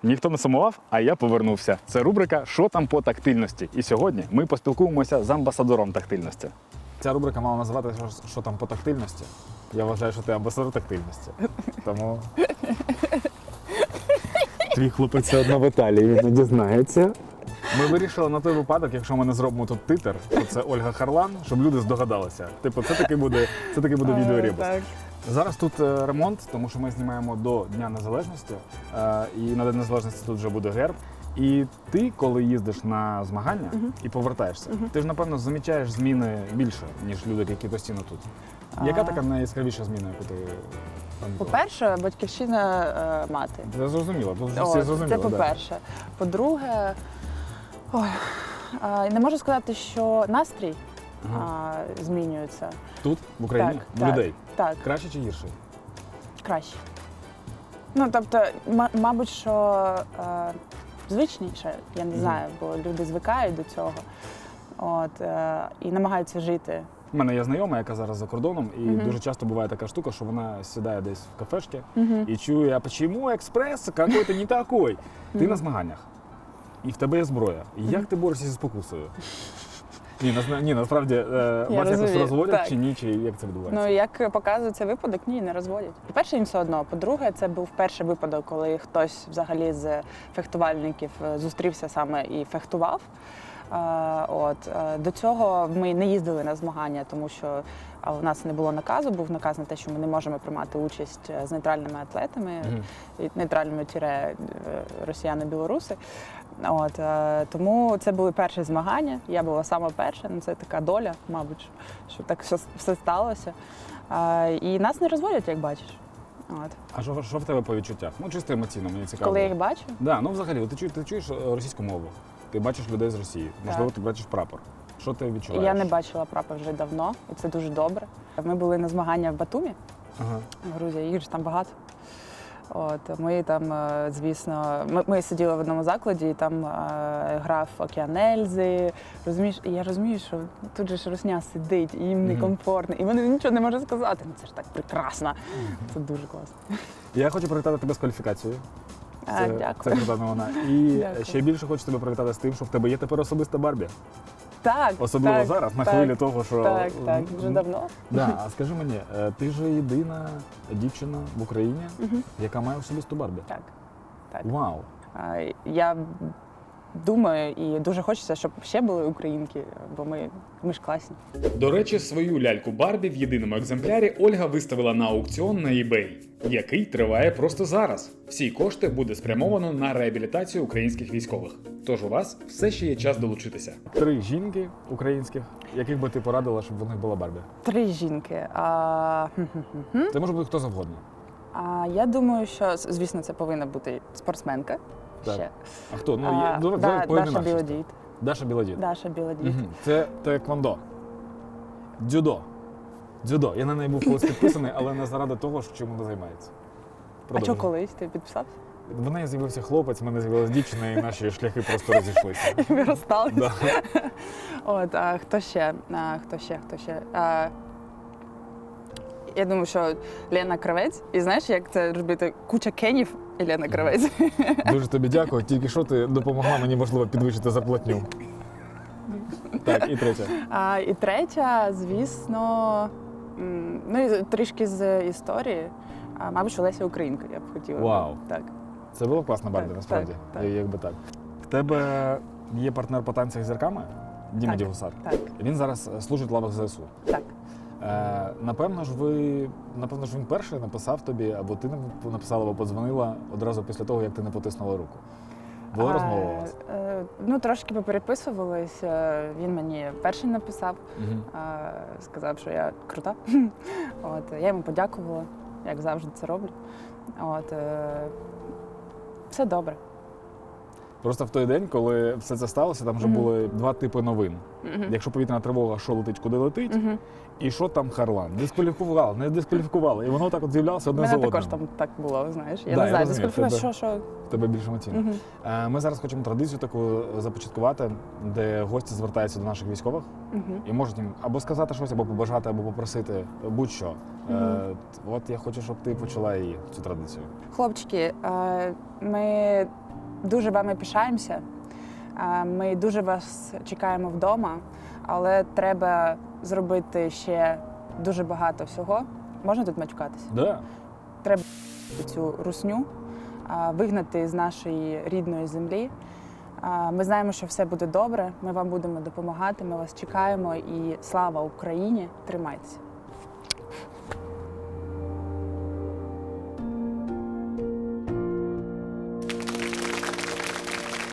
Ніхто не сумував, а я повернувся. Це рубрика «Що там по тактильності?». І сьогодні ми поспілкуємося з амбасадором тактильності. Ця рубрика мала називатися «Що там по тактильності?». Я вважаю, що ти амбасадор тактильності. Тому твій хлопець все одно в Італії, він не дізнається. Ми вирішили на той випадок, якщо ми не зробимо тут титр, що це Ольга Харлан, щоб люди здогадалися. Типу, це таки буде відеоребус. Зараз тут ремонт, тому що ми знімаємо до Дня Незалежності, і на День Незалежності тут вже буде герб. І ти, коли їздиш на змагання і повертаєшся, ти ж, напевно, замічаєш зміни більше, ніж люди, які постійно тут. Яка така найяскравіша зміна, яку ти там була? По-перше, батьківщина мати. Це зрозуміло, тут всі зрозуміло. Це по-перше. По-друге, не можу сказати, що настрій змінюється. Тут, в Україні? Так, в людей? Так. Краще чи гірше? Краще. Ну, тобто, мабуть, що звичніше, я не знаю, бо люди звикають до цього. І намагаються жити. У мене є знайома, яка зараз за кордоном, і дуже часто буває така штука, що вона сідає десь в кафешки і чує, а чому експрес какой-то не такой? Ти на змаганнях, і в тебе є зброя. Як ти борешся зі спокусою? Ні, насправді, вас якось розводять чи ні, чи як це відбувається? Ну, як показує цей випадок, ні, не розводять. По-перше, їм все одно. По-друге, це був перший випадок, коли хтось взагалі з фехтувальників зустрівся саме і фехтував. До цього ми не їздили на змагання, тому що у нас не було наказу, був наказ на те, що ми не можемо приймати участь з нейтральними атлетами, нейтральними росіяни-білоруси. Тому це були перші змагання, я була сама перша, це така доля, мабуть, що так все сталося. І нас не розводять, як бачиш. А що в тебе по відчуттях? Ну, чисто емоційно, мені цікаво. Коли я їх бачу? Да, ну взагалі, ти чуєш російську мову, ти бачиш людей з Росії, можливо, ти бачиш прапор. Що ти відчуваєш? Я не бачила прапор вже давно, і це дуже добре. Ми були на змагання в Батумі, в Грузії, їх ж там багато. Ми там, звісно, ми сиділи в одному закладі, і там грав Океан Ельзи. Розумієш, і я розумію, що тут же ж русня сидить, і їм некомфортно, і вони нічого не можуть сказати. Ну це ж так прекрасно. Це дуже класно. Я хочу привітати тебе з кваліфікацією. Дякую. Це крута новина. І Дякую. ще більше хочу тебе привітати з тим, що в тебе є тепер особиста Барбі. Так. Особливо так, зараз, на так, хвилі того, що... Так, вже давно. Да. А скажи мені, ти ж єдина дівчина в Україні, яка має особисту Барбі? Так. Вау! Я думаю, і дуже хочеться, щоб ще були українки, бо ми ж класні. До речі, свою ляльку Барбі в єдиному екземплярі Ольга виставила на аукціон на eBay, який триває просто зараз. Всі кошти буде спрямовано на реабілітацію українських військових. Тож у вас все ще є час долучитися. 3 жінки українських, яких би ти порадила, щоб в них була Барбі? 3 жінки. Це може бути хто завгодно. Я думаю, що, звісно, це повинна бути спортсменка. Так. Ще. А хто? Даша Білодід. Даша Білодід. Даша Білодід. Це таеквондо. Дзюдо. Дзюдо. Я на неї був колись підписаний, але не заради того, чим вона займається. А що колись? Ти підписався? В неї з'явився хлопець, в мене з'явилася дівчина, і наші шляхи просто розійшлися. Ми розсталися. Да. А хто ще? Я думаю, що Лена Кравець. І знаєш, як це робити куча кенів і Лена Кравець. Дуже тобі дякую. Тільки що ти допомогла мені, можливо, підвищити зарплатню. Так, і третя. І третя, звісно, ну і трішки з історії. Мабуть, що Леся Українка, я б хотіла. Вау. Так. Це було класно, Барбі, Так, насправді. так. Якби так. В тебе є партнер по танцях з зірками? Діма Так, Дігусар. так. Він зараз служить в лавах ЗСУ. Так. Напевно ж він перший написав тобі, або ти написала, або подзвонила одразу після того, як ти не потиснула руку. Була розмова у вас? Ну, трошки попереписувалися. Він мені перший написав, сказав, що я крута. Я йому подякувала, як завжди це роблю. Все добре. Просто в той день, коли все це сталося, там вже були два типи новин. Якщо повітряна тривога, що летить, куди летить, і що там Харлан. Дискваліфікували, не дискваліфікували. І воно так от з'являлося одне за одним. одним. Мене також там так було, знаєш. Я Да, не знаю, розумію, дискваліфікувати, що. В тебе більш емоційно. Ми зараз хочемо традицію таку започаткувати, де гості звертаються до наших військових і можуть їм або сказати щось, або побажати, або попросити будь-що. От я хочу, щоб ти почала її, цю традицію. Хлопчики, ми дуже вами пишаємося. Ми дуже вас чекаємо вдома, але треба зробити ще дуже багато всього. Можна тут матюкатися? Да. Треба цю русню вигнати з нашої рідної землі. Ми знаємо, що все буде добре, ми вам будемо допомагати, ми вас чекаємо і слава Україні! Тримайтеся!